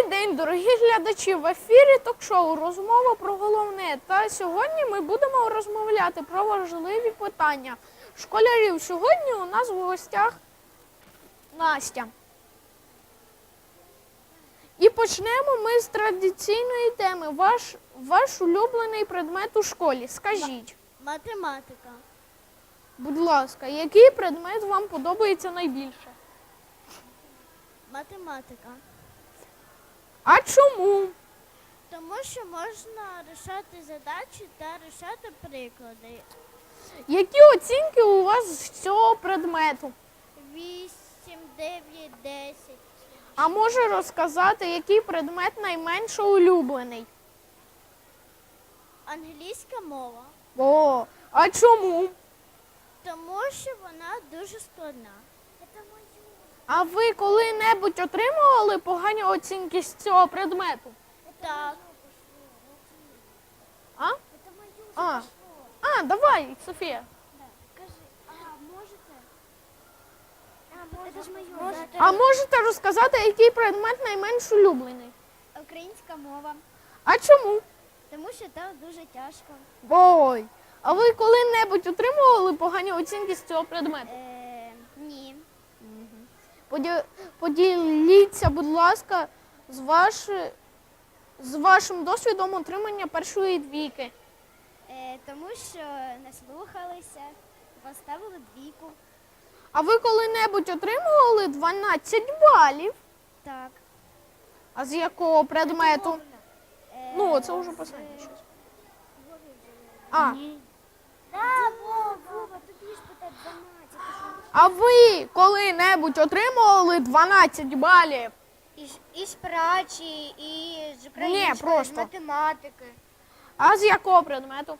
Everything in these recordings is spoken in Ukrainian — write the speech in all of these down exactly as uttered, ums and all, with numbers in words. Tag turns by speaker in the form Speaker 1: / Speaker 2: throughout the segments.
Speaker 1: день, дорогі глядачі! В ефірі ток-шоу «Розмова про головне». Та сьогодні ми будемо розмовляти про важливі питання школярів. Сьогодні у нас в гостях Настя. І почнемо ми з традиційної теми. Ваш, ваш улюблений предмет у школі. Скажіть.
Speaker 2: Математика.
Speaker 1: Будь ласка, який предмет вам подобається найбільше?
Speaker 2: Математика.
Speaker 1: А чому?
Speaker 2: Тому що можна рішати задачі та рішати приклади.
Speaker 1: Які оцінки у вас з цього предмету?
Speaker 2: Вісім, дев'ять, десять.
Speaker 1: А може розказати, який предмет найменше улюблений?
Speaker 2: Англійська мова.
Speaker 1: О, а чому?
Speaker 2: Тому що вона дуже складна.
Speaker 1: А ви коли-небудь отримували погані оцінки з цього предмету?
Speaker 2: Так.
Speaker 1: А? А, а давай, Софія. А можете розказати, який предмет найменш улюблений?
Speaker 2: Українська мова.
Speaker 1: А чому?
Speaker 2: Тому що там дуже тяжко.
Speaker 1: Ой, а ви коли-небудь отримували погані оцінки з цього предмету?
Speaker 2: Е, ні.
Speaker 1: Поді- Поділіться, будь ласка, з, ваш... з вашим досвідом отримання першої двійки.
Speaker 2: Е, тому що не слухалися, поставили двійку.
Speaker 1: А ви коли-небудь отримували дванадцять балів?
Speaker 2: Так.
Speaker 1: А з якого предмету?
Speaker 2: Е,
Speaker 1: Ну, це вже останнє щось. А,
Speaker 2: Так, Вова, тобі ж питати дванадцять.
Speaker 1: а ви коли-небудь отримували дванадцять балів?
Speaker 2: І з прачі, і з
Speaker 1: української, з просто.
Speaker 2: математики,
Speaker 1: А з якого предмету?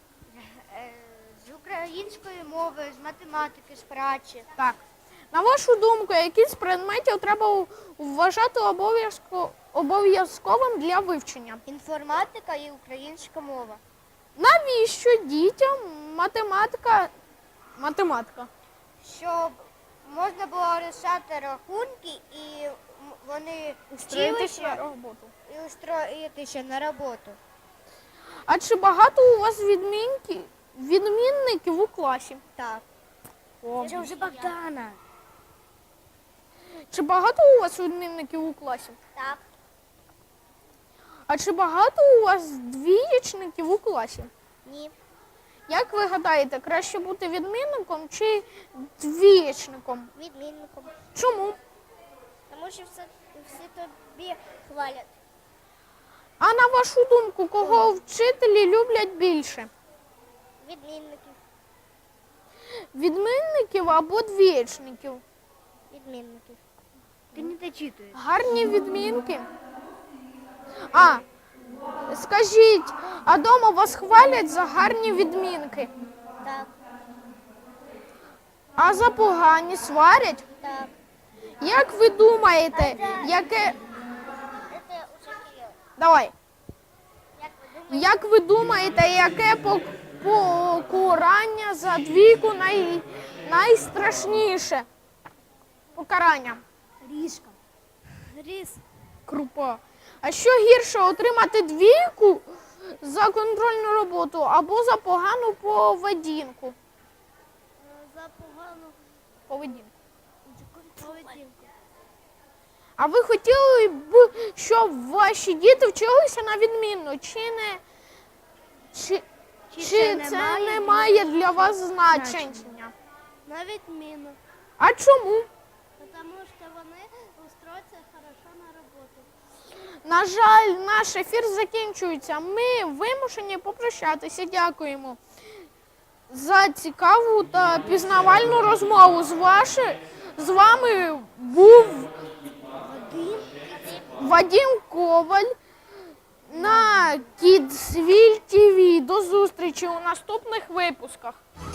Speaker 2: з української мови, з математики, з прачі.
Speaker 1: Так. На вашу думку, які з предметів треба вважати обов'язко- обов'язковим для вивчення?
Speaker 2: Інформатика і українська мова.
Speaker 1: Навіщо дітям математика? Математика.
Speaker 2: Щоб можна було рішати рахунки і м- вони
Speaker 1: Устроїтися на
Speaker 2: вчилися
Speaker 1: роботу.
Speaker 2: і устроїтися на роботу.
Speaker 1: А чи багато у вас відмінки, відмінників у класі?
Speaker 2: Так.
Speaker 1: О.
Speaker 2: Це вже Богдана.
Speaker 1: Чи багато у вас відмінників у класі?
Speaker 2: Так.
Speaker 1: А чи багато у вас двієчників у класі?
Speaker 2: Ні.
Speaker 1: Як ви гадаєте, краще бути відмінником чи двієчником?
Speaker 2: Відмінником.
Speaker 1: Чому?
Speaker 2: Тому що все, всі тобі хвалять.
Speaker 1: А на вашу думку, кого вчителі люблять більше?
Speaker 2: Відмінників.
Speaker 1: Відмінників або двієчників?
Speaker 2: Відмінників. Ти не дочитуєш.
Speaker 1: Гарні відмінки. А, скажіть, а дома вас хвалять за гарні відмінки?
Speaker 2: Так.
Speaker 1: А за погані сварять?
Speaker 2: Так.
Speaker 1: Як ви думаєте, яке...
Speaker 2: Це уже
Speaker 1: Давай.
Speaker 2: Як ви думаєте?
Speaker 1: Як ви думаєте, яке пок- покарання за двійку най... найстрашніше? Покарання.
Speaker 2: Ріжка. Різ.
Speaker 1: Крупа. А що гірше, отримати двійку за контрольну роботу або за погану поведінку?
Speaker 2: За погану
Speaker 1: Поведінку.
Speaker 2: поведінку.
Speaker 1: А ви хотіли б, щоб ваші діти вчилися на відмінно? Чи не чи, чи,
Speaker 2: це
Speaker 1: це,
Speaker 2: не має
Speaker 1: не має для вас значення?
Speaker 2: На відміну.
Speaker 1: А чому?
Speaker 2: Тому що вони устроються хорошо на роботу.
Speaker 1: На жаль, наш ефір закінчується. Ми вимушені попрощатися. Дякуємо за цікаву та пізнавальну розмову. З, ваші, з вами був Вадим Коваль на Kidsville ті ві. До зустрічі у наступних випусках.